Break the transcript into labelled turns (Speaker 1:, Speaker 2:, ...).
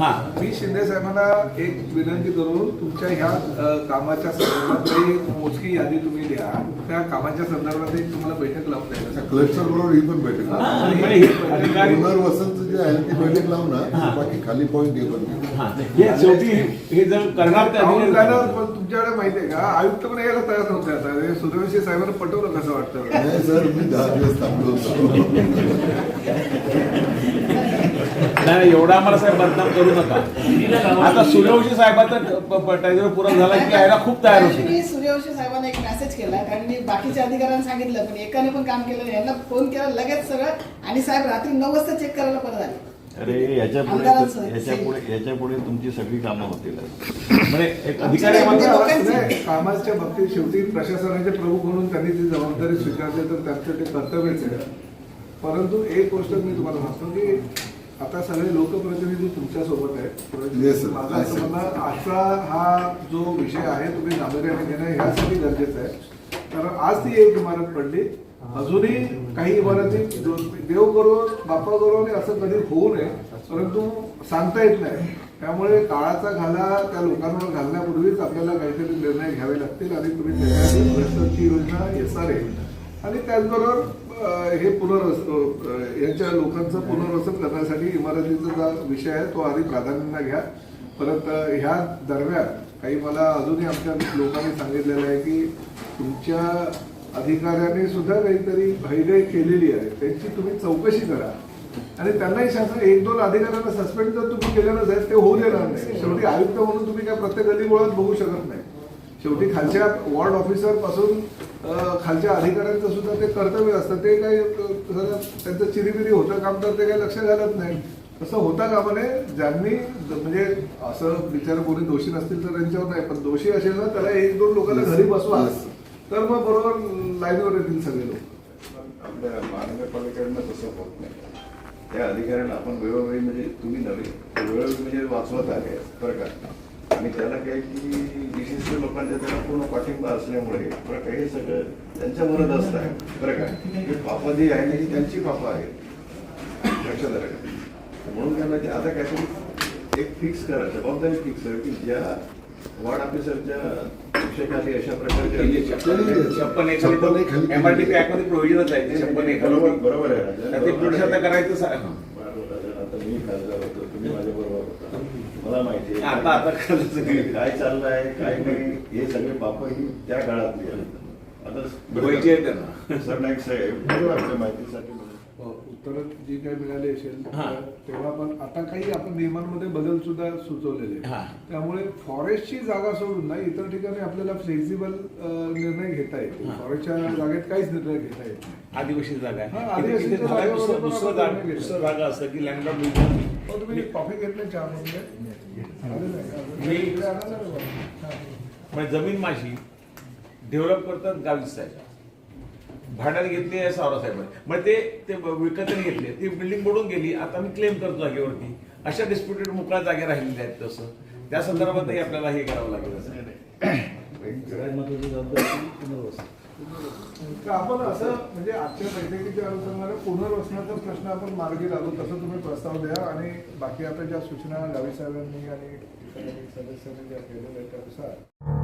Speaker 1: मी शिंदे साहेबांना एक विनंती करून तुमच्या ह्या कामाच्या संदर्भात एक मोजकी यादी तुम्ही द्या. त्या कामाच्या संदर्भात एक तुम्हाला बैठक लावून द्यायला
Speaker 2: कलेक्टर बरोबर ही पण बैठक पुनर्वसनचं जे आहे ती बैठक लावून ना बाकी खाली पॉईंट हे पण
Speaker 3: शेवटी हे जर करणार
Speaker 1: पण तुमच्याकडे माहिती आहे का आयुक्त पण यायला तयार नव्हते. आता सूर्यवंशी साहेबांना पटवलं कसं वाटतं?
Speaker 2: नाही सर, मी 10 दिवस थांबलो होतो.
Speaker 3: नाही एवढा आम्हाला साहेब बदनाम करू नका. आता सूर्यवंशी साहेबांचा टायगर पुरा झाला की यायला खूप तयार होते.
Speaker 4: मी सूर्यवंशी साहेबांना एक मेसेज केला कारण मी बाकीच्या अधिकाऱ्यांना सांगितलं पण एकाने पण काम केलं नाही. यांना फोन केला लगेच सगळं आणि साहेब रात्री 9 वाजता चेक करायला परत आले.
Speaker 5: अरे याच्या पुढे तुमची सगळी कामं होतील.
Speaker 3: म्हणजे एक अधिकारी
Speaker 1: कामाच्या बाबतीत शेवटी प्रशासनाचे प्रमुख म्हणून त्यांनी ती जबाबदारी स्वीकारली तर त्यांचं ते कर्तव्यच आहे. परंतु एक गोष्ट मी तुम्हाला सांगतो की आता सगळे लोकप्रतिनिधी तुमच्या सोबत आहेत. माझं असं म्हणणं आजचा हा जो विषय आहे तुम्ही गांभीर्याने घेणं ह्यासाठी गरजेचं आहे. कारण आज ती एक इमारत पडली, अजूनही काही इमारती देव करो बाप्पा करो आणि असं कधी होऊ नये, परंतु सांगता येत नाही. त्यामुळे काळाचा घाला त्या लोकांवर घालण्यापूर्वीच आपल्याला काहीतरी निर्णय घ्यावे लागतील आणि तुम्ही त्याच्यासाठी योजना SRA आणि त्याचबरोबर हे यांच्या लोकांचं पुनर्वसन करण्यासाठी इमारतीचा जो विषय आहे तो आधी प्राधान्याने घ्या. परत ह्या दरम्यान काही मला अजूनही आमच्या लोकांनी सांगितलेलं आहे की तुमच्या अधिकाऱ्यांनी सुद्धा काहीतरी हयगय केलेली आहे, त्यांची तुम्ही चौकशी करा आणि त्यांनाही शासन 1-2 अधिकाऱ्यांना सस्पेंड जर तुम्ही केलं नसेल ते होऊ देणार नाही. शेवटी आयुक्त म्हणून तुम्ही काय प्रत्येक गल्लीबोळात बघू शकत नाही. शेवटी खालच्या वॉर्ड ऑफिसर पासून खालच्या अधिकाऱ्यांचं सुद्धा ते कर्तव्य असतं. ते काही त्यांचं चिरीबिरी होतं काम तर ते काही लक्ष घालत नाही. तसं होता कामा नये. ज्यांनी म्हणजे असं बिचार कोणी दोषी नसतील तर त्यांच्यावर नाही, पण दोषी असेल ना त्याला 1-2 लोकांना घरी बसवा तर मग बरोबर लाईनवर येतील सगळे लोक.
Speaker 5: आपल्या महानगरपालिकेकडनं तसं होत नाही. त्या अधिकाऱ्यांना आपण वेळोवेळी म्हणजे तुम्ही नव्हे वेळोवेळी म्हणजे वाचवत आहे बरं का. आणि त्याला काय की विशिष्ट लोकांच्या त्याला पूर्ण पाठिंबा असल्यामुळे बरं का हे सगळं त्यांच्या मनात असतं आहे बरं का. ही पापा जी आहे ना ही त्यांची पापा आहे लक्षात आलं का. म्हणून त्यांना ते आता काहीतरी एक फिक्स करा, जबाबदारी फिक्स करा की ज्या वॉर्ड ऑफिसरच्या शिक्षकाली अशा प्रकारचे
Speaker 3: 56 MRTP ऍक्ट मध्ये प्रोव्हिजनच आहे. 56
Speaker 5: बरोबर आहे.
Speaker 3: ते पुढे करायचं
Speaker 5: आता मी खासदार होतो, तुम्ही माझ्या बरोबर होता, मला माहिती आहे
Speaker 3: आता
Speaker 5: काय चाललं आहे काय नाही. हे सगळे पाप ही त्या काळातली आता सरनाईक साहेब आपल्या माहितीसाठी
Speaker 1: उत्तर जी काही मिळाली असेल तेव्हा पण आता काही आपण नियमांमध्ये बदल सुद्धा सुचवलेले. त्यामुळे फॉरेस्टची जागा सोडून ना इतर ठिकाणी आपल्याला फ्लेक्झिबल निर्णय घेता येतो. फॉरेस्टच्या जागेत काहीच निर्णय घेता येत नाही.
Speaker 3: आदिवासी जागा आहे.
Speaker 1: आदिवासी
Speaker 3: दुसरं जागा असतं की लँडलॉर्ड
Speaker 1: तुम्ही कॉफी घेत नाही चहा
Speaker 3: म्हणजे जमीन माझी डेव्हलप करतात गावीच साहेब, भाड्याने घेतली आहे सावरासाहेबांनी, म्हणजे ते विकत घेतले, ती बिल्डिंग बुडून गेली, आता मी क्लेम करतो जागेवरती. अशा डिस्प्युटेड मोकळ्या जागे राहिलेल्या आहेत. तसं त्या संदर्भातही आपल्याला हे करावं लागेल.
Speaker 5: सगळ्यात महत्वाची जबाबदारी पुनर्वसन.
Speaker 1: आपण असं म्हणजे आजच्या बैठकीच्या अनुषंगाने पुनर्वसनाचा प्रश्न आपण मार्गी लागू तसं तुम्ही प्रस्ताव द्या आणि बाकी आता ज्या सूचना गावी साहेबांनी आणि सदस्यांनी ज्या केलेल्या त्यानुसार